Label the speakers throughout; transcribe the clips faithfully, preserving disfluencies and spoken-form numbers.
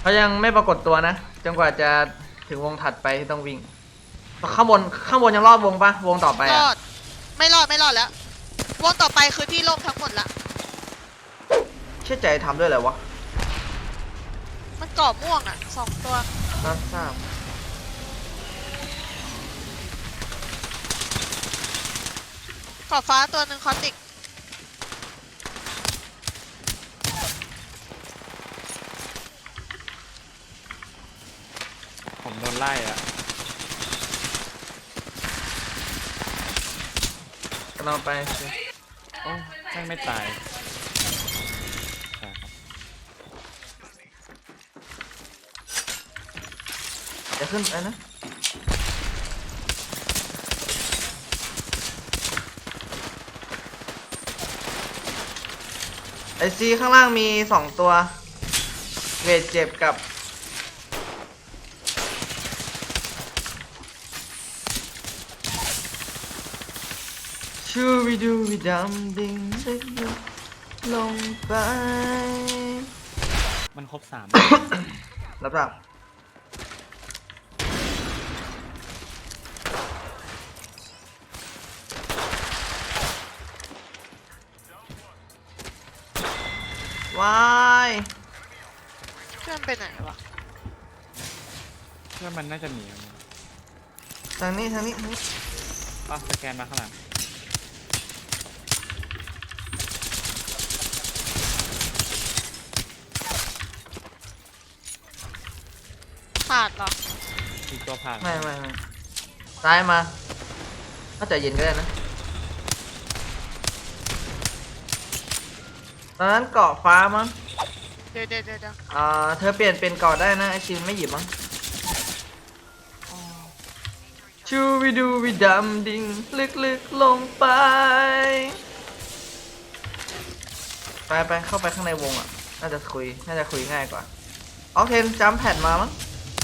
Speaker 1: เขายังไม่ปรากฏตัวนะจนกว่าจะถึงวงถัดไปที่ต้องวิ่งข้างบนข้างบนยังรอดวงปะวงต่อไป
Speaker 2: ร
Speaker 1: อะ
Speaker 2: อดไม่รอดไม่รอดแล้ววงต่อไปคือที่โล่งทั้งหมดละ
Speaker 1: เชื่อใจทำด้วยอะไรวะ
Speaker 2: มันกรอบม่วงอ่ะสองตัว
Speaker 1: รับทราบ
Speaker 2: กรอบฟ้าตัวหนึ่งคอสติก
Speaker 3: ผมโดนไล่อะ
Speaker 1: กำลังไป
Speaker 3: โอ้แม่งไม่ตายใช่ครับ
Speaker 1: จะขึ้นไปนะไอซีข้างล่างมีสองตัวเวทเจ็บกับชูวิดูวิดำดิ่งลึกลงไป
Speaker 3: มันครบสาม
Speaker 1: รับทราบวาย
Speaker 2: เพื่อนไปไหนวะ
Speaker 3: เพื่อนมันน่าจะหนี
Speaker 1: ทางนี้ทางนี้ทางนี้
Speaker 3: ป้าสแกนมาข้างหลัง
Speaker 2: ขาดเหรอ
Speaker 3: อีกตัวผ่าน
Speaker 1: ไม่ไม่ไม่ซ้ายมาถ้าใจเย็นก็ได้นะตอนนั้นเกาะฟ้ามั้ง
Speaker 2: เดี๋ยวเดี๋ยวเดี๋ยวเดี๋ยว
Speaker 1: อ่าเธอเปลี่ยนเป็นเกาะได้นะไอชินไม่หยิบมั้งชูวิดูวิดำดิ่งลึกๆลงไปไปไปเข้าไปข้างในวงอ่ะน่าจะคุยน่าจะคุยง่ายกว่าออกเทนจัมแพดมามั้ง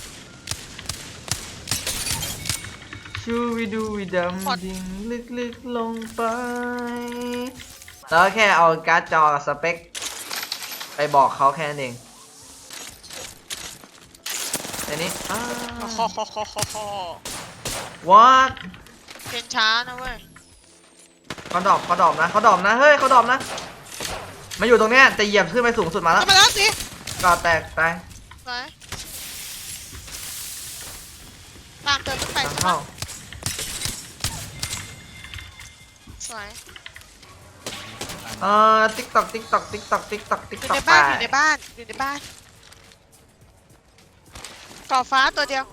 Speaker 1: ชูวิดูวิดำดิ่งลึกๆลงไปแล้วแค่เอาการ์ดจอกับสเปคไปบอกเขาแค่นั้นเองอันนี้อ้า
Speaker 2: คอคอคอคอคอ
Speaker 1: what
Speaker 2: เป็นช้านะเว้ย
Speaker 1: เขาดรอปเขาดรอปนะเขาดรอปนะเฮ้ยเขาดรอปนะมาอยู่ตรงเนี้ยแต่เหยียบขึ้นไปสูงสุดมาแล้ว
Speaker 2: เข้ามาแล้วสิ
Speaker 1: ก่อแตกตาย
Speaker 2: ไปตามเดินขึ้นไป
Speaker 1: ทาง
Speaker 2: ใช่ไหม
Speaker 1: เข้า
Speaker 2: สวย
Speaker 1: เอ่อติ๊กตอกติ๊กตอกติ๊กตอกติ๊กตอกติ๊ก
Speaker 2: อยู่
Speaker 1: ตอ
Speaker 2: ใน
Speaker 1: ก
Speaker 2: บ้าน
Speaker 1: ไป
Speaker 2: อยู่ในบ้านอยู่ในบ้านกรอบฟ้าตัวเดียว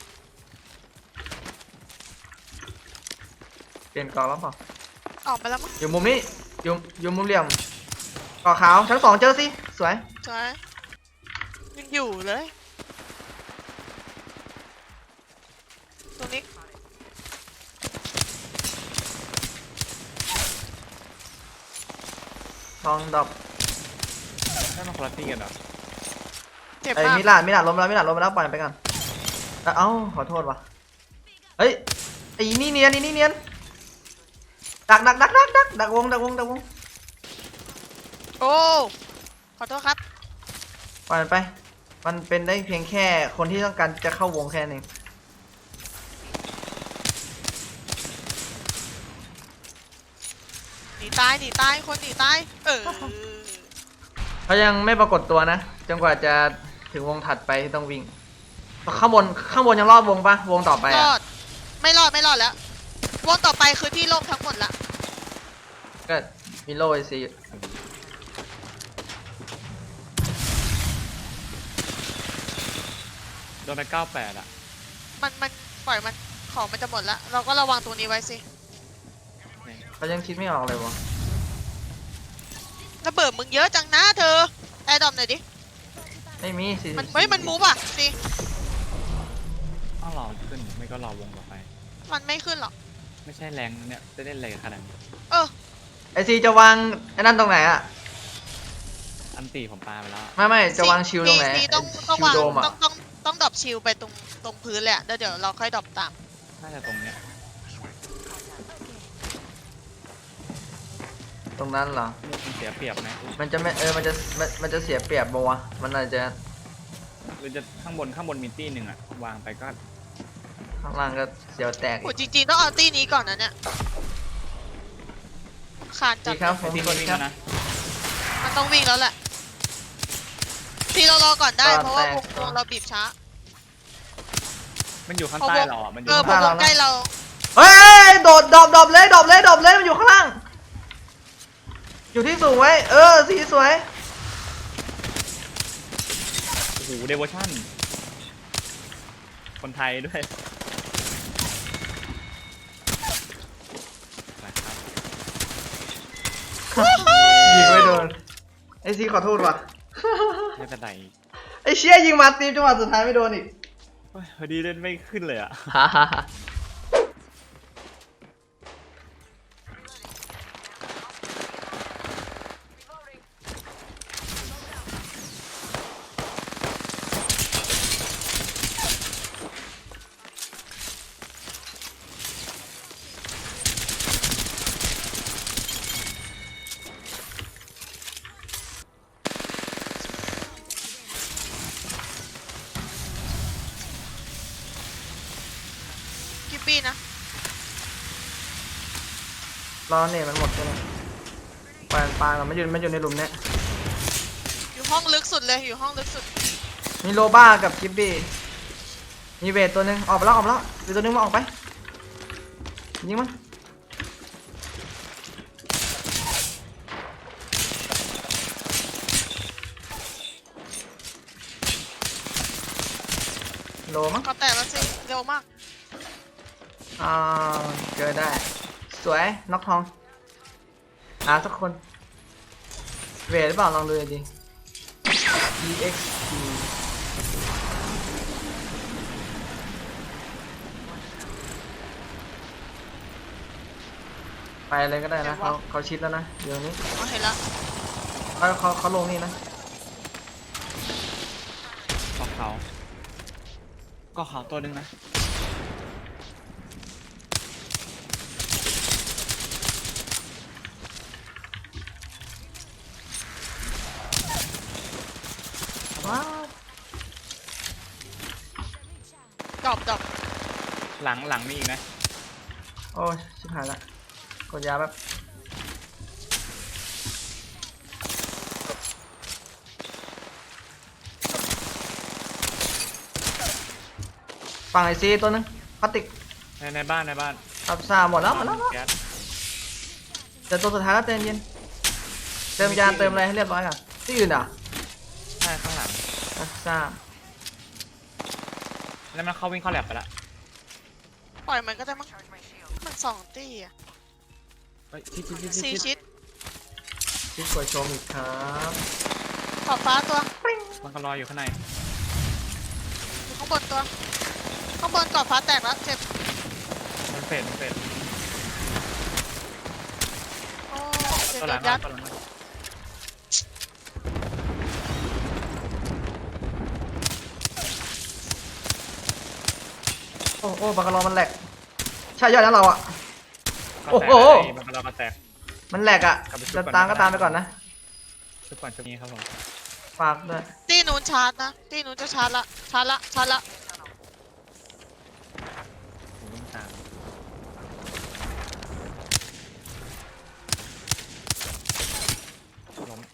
Speaker 1: เปลี่ยนก่อแล้วเปล่า
Speaker 2: ออกมาแล้วมั้ง
Speaker 1: อยู่มุมนี้อยู่อยู่มุมเหลี่ยมก่อขาวชั้นสองเจอสิสวย
Speaker 2: สวยยังอยู่เลยตรงนี้
Speaker 1: ทองดรอป
Speaker 3: ได้มาคนละตีกันเหรอ
Speaker 2: เจ็บ
Speaker 1: ไอ้ย
Speaker 2: มาก
Speaker 1: มิลานมิลานล้มแล้วมิลานล้มไปแล้วปล่อยไปก่อนเอ้าขอโทษว่ะเฮ้ยไอ้นี่เนียนไอ้นี่เนียนดักดักดักดักดักดักวงดักวงดักวง
Speaker 2: โอ้ขอโทษครับ
Speaker 1: ปล่อยมันไปมันเป็นได้เพียงแค่คนที่ต้องการจะเข้าวงแค่นั้นเอง
Speaker 2: หนีตายหนีตายคนหนีตายเออ
Speaker 1: เขายังไม่ปรากฏตัวนะจนกว่าจะถึงวงถัดไปที่ต้องวิ่งข้างบนข้างบนยังรอดวงปะวงต่อไป
Speaker 2: ร
Speaker 1: อะ
Speaker 2: อดไม่รอดไม่รอดแล้ววงต่อไปคือที่โล่งทั้งหมดละ
Speaker 1: ก็มีโลไอซี
Speaker 3: โดนไปเก้าแปดอะ
Speaker 2: มันมันปล่อยมันของมันจะหมดละเราก็ระวังตรงนี้ไว้สิ
Speaker 1: เขายังคิดไม่ออกเลยวะ
Speaker 2: ระเบิดมึงเยอะจังนะเธอแอร์ดอมหน่อยดิ
Speaker 1: ไม่มีสิ
Speaker 2: มันเฮ้ยมันมูฟอ่ะสิ
Speaker 3: ต้องรอขึ้นไม่ก็รอวงต่อไป
Speaker 2: มันไม่ขึ้นหรอก
Speaker 3: ไม่ใช่แรงนะเนี่ยจะได้แรงขนาดนี้
Speaker 2: เออ
Speaker 1: ไอซีจะวางไอ้นั่นตรงไหนอะ
Speaker 3: อันตีผมปาไปแล้ว
Speaker 1: ไม่ไม่จะวางชิลตรงไหน
Speaker 2: ซีต้อง
Speaker 1: ไอ้
Speaker 2: ต้อง
Speaker 1: ชิล
Speaker 2: วาง
Speaker 1: โดมอะ
Speaker 2: ต้องต้องต้องดรอปชิลไปตรงตรงพื้นเลยอะแล้วเดี๋ยวเราค่อยดรอปตาม
Speaker 3: น่าจะตรงเนี้ย
Speaker 1: ตรงนั้นเหรอ
Speaker 3: มันเสียเปรียบไหม
Speaker 1: มันจะไม่เออมันจะมันมันจะเสียเปรียบปะวะมันอาจจะ
Speaker 3: หรือจะข้างบนข้างบนมีตี้หนึ่งอะวางไปก็
Speaker 1: ข้างล่างก็เสียวแตก
Speaker 2: โหจริงๆต้องเอาตี้นี้ก่อนนะเนี่ยคานจั
Speaker 1: ดี
Speaker 2: ด
Speaker 1: ครับผ
Speaker 3: ไอ้
Speaker 1: ม
Speaker 3: ตี้
Speaker 1: สวัส
Speaker 3: นี่
Speaker 1: ดี
Speaker 3: วิ่ง
Speaker 1: ครั
Speaker 3: แล้
Speaker 1: บ
Speaker 3: วนะ
Speaker 2: มันต้องวิ่งแล้วแหละพี่เรารอก่อนได้
Speaker 1: ก่อน
Speaker 2: เพราะว่าวง
Speaker 1: แตก
Speaker 2: วงเราบีบช้า
Speaker 3: มันอยู่ข้าง
Speaker 2: เพราะ
Speaker 3: ใต้
Speaker 2: วง
Speaker 3: เราอะมันอ
Speaker 2: เอยู่ อ
Speaker 3: ข้าง
Speaker 2: เพ
Speaker 3: ใต้
Speaker 2: ราะวงใกล้เรา
Speaker 1: เฮ้ยโดดดอบดอบเลยดอบเลยดอบเลยมันอยู่ข้างล่าง อยู่ที่สูงไว้ เออสีสวย
Speaker 3: โอ้โหเดวอชั่นคนไทยด้วยไปครับ
Speaker 1: ยิงไม่โดน ไอซีขอโทษว่ะ
Speaker 3: ไม่เป็นไร
Speaker 1: ไอเชี่ยยิงมาตีมจังหวะสุดท้ายไม่โดนอีก
Speaker 3: เฮ้ยพอดีเล่นไม่ขึ้นเลยอะ
Speaker 1: ฮ่าฮ่าฮ่า
Speaker 2: กิบบี้นะ
Speaker 1: รอเนี่ยมันหมดใช่ไหมปานปานมันอยู่มันอยู่ในหลุมเนี้ย
Speaker 2: อยู่ห้องลึกสุดเลยอยู่ห้องลึกสุด
Speaker 1: มีโลบ้ากับกิบบี้ มีเวทตัวหนึงออกไปแล้วออกไปแล้วอีกตัวหนึงมาออกไป ยิงมัน โลมั้ง
Speaker 2: ก็แตกแล้วสิเร็วมาก
Speaker 1: อ่าเจอได้ สวยน็อกทองหาสักคน เวทหรือเปล่าลองดูดิ e x p ไปเลยก็ได้นะเขาเขาชิดแล้วนะเดี๋ยวนี้
Speaker 2: อ๋อเห็นแล้ว
Speaker 1: เขาเขาเขาลงนี่นะ
Speaker 3: ก็เขาก็เขาตัวหนึงนะ
Speaker 1: ว้าว
Speaker 2: ดอบดอบ
Speaker 3: หลังหลังมีอีกนะ
Speaker 1: โอ้ยชิบหายละกดยาแบบฝั่งไอซีตัวหนึงพลาสติก
Speaker 3: ในในบ้านในบ้าน
Speaker 1: ทับซาหมดแล้วหมดแล้วหมดแล้ว
Speaker 3: แก๊ส
Speaker 1: แต่ตัวสุดท้ายก็เติมเย็น เติมยาเติมอะไรให้เรียบร้อยก่อนที่อื่นอ่ะ
Speaker 3: ใช่ข้างหลัง
Speaker 1: ทับซา
Speaker 3: แล้วมันเข้าวิ่งเข้าแลบไปละ
Speaker 2: ปล่อยมันก็ได้มั้งมันสองตี้อะ
Speaker 3: เฮ้ยชิดชิดชิด
Speaker 2: สี่
Speaker 3: ชิด
Speaker 2: ชิด
Speaker 1: ที่กดชมอีกครับ
Speaker 2: ขอบฟ้าตัว
Speaker 3: มันก็รออยู่ข้างใน
Speaker 2: อยู่ข้างบนตัว ข้างบนกรอบฟ้าแตกแล้วเจ็บ
Speaker 3: มันเฟดมันเฟด
Speaker 2: โอ้เจ็บ
Speaker 3: ตัวห
Speaker 2: โด
Speaker 3: ลัง
Speaker 2: น
Speaker 3: มา
Speaker 2: ยัด
Speaker 3: ตัวหลังมา
Speaker 1: โอ้โอ้บังกะลอมันแหลก ใช่ยอดแล้วเราอ่ะ
Speaker 3: ก็แตก
Speaker 1: โอ้โห
Speaker 3: ไอ้มันก็รอก็แตก
Speaker 1: มันแหลกอ่ะ
Speaker 3: กลับไปชุบ
Speaker 1: จะ
Speaker 3: ก่อน
Speaker 1: ตามก็
Speaker 3: นะ
Speaker 1: ตามไปก่อนนะ
Speaker 3: ชุดก่อนชุดนี้ครับผม
Speaker 1: ฝากด้วย
Speaker 2: ตีนู้นชาร์จนะตีนู้นจะชาร์จละชาร์จละชาร์จละ
Speaker 3: ผมวิ่งตามล้ม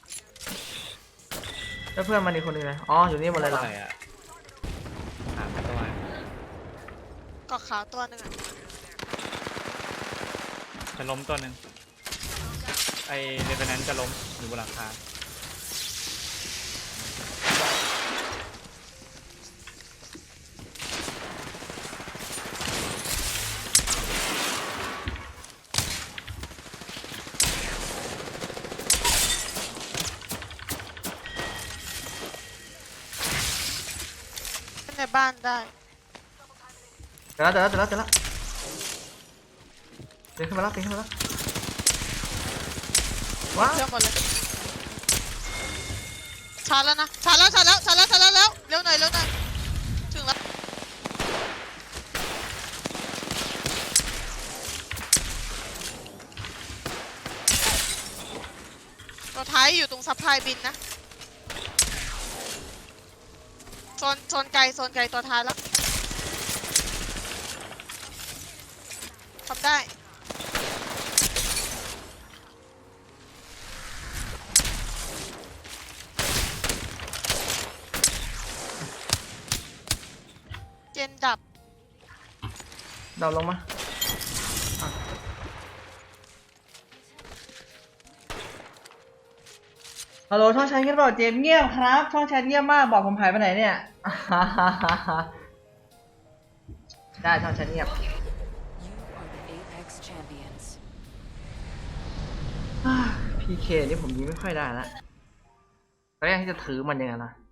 Speaker 1: แล้วเพื่อนมันอีกคนหนึงเลยอ๋อ อยู่นี่หมดเลยเหรอ
Speaker 3: อะไรอะถามไปตัว
Speaker 2: กอดขาวตัวหนึงอะ
Speaker 3: จะล้มตัวหนึ่งไอเรเวนแนนจะล้มอยู่บนหลังคา
Speaker 2: ในบ้านได้
Speaker 1: เจอแล้วเจอแล้วเจอแล้วเจอแล้วเดินขึ้นมาแล้วเดินขึ้นมาแล้วว้าว
Speaker 2: เชื่อมหมดเลยชาร์จแล้วนะชาร์จแล้วชาร์จแล้วชาร์จแล้วชาร์จแล้วเร็วหน่อยเร็วหน่อยถึงแล้วตัวท้ายอยู่ตรงซัพพลายบินนะโซนโซนไกลโซนไกลตัวท้ายแล้วทำได้เจนดับ
Speaker 1: เดาลงมาอ่ะฮัลโหลช่องแชทเงียบเปล่าเจมส์เงียบครับ ช่องแชทเงียบมากบอกผมหายไปไหนเนี่ย ได้ช่องแชทเงียบ พีเคนี่ผมยิงไม่ค่อยได้ละตอนแรกที่จะถือมันยังไงล่ะ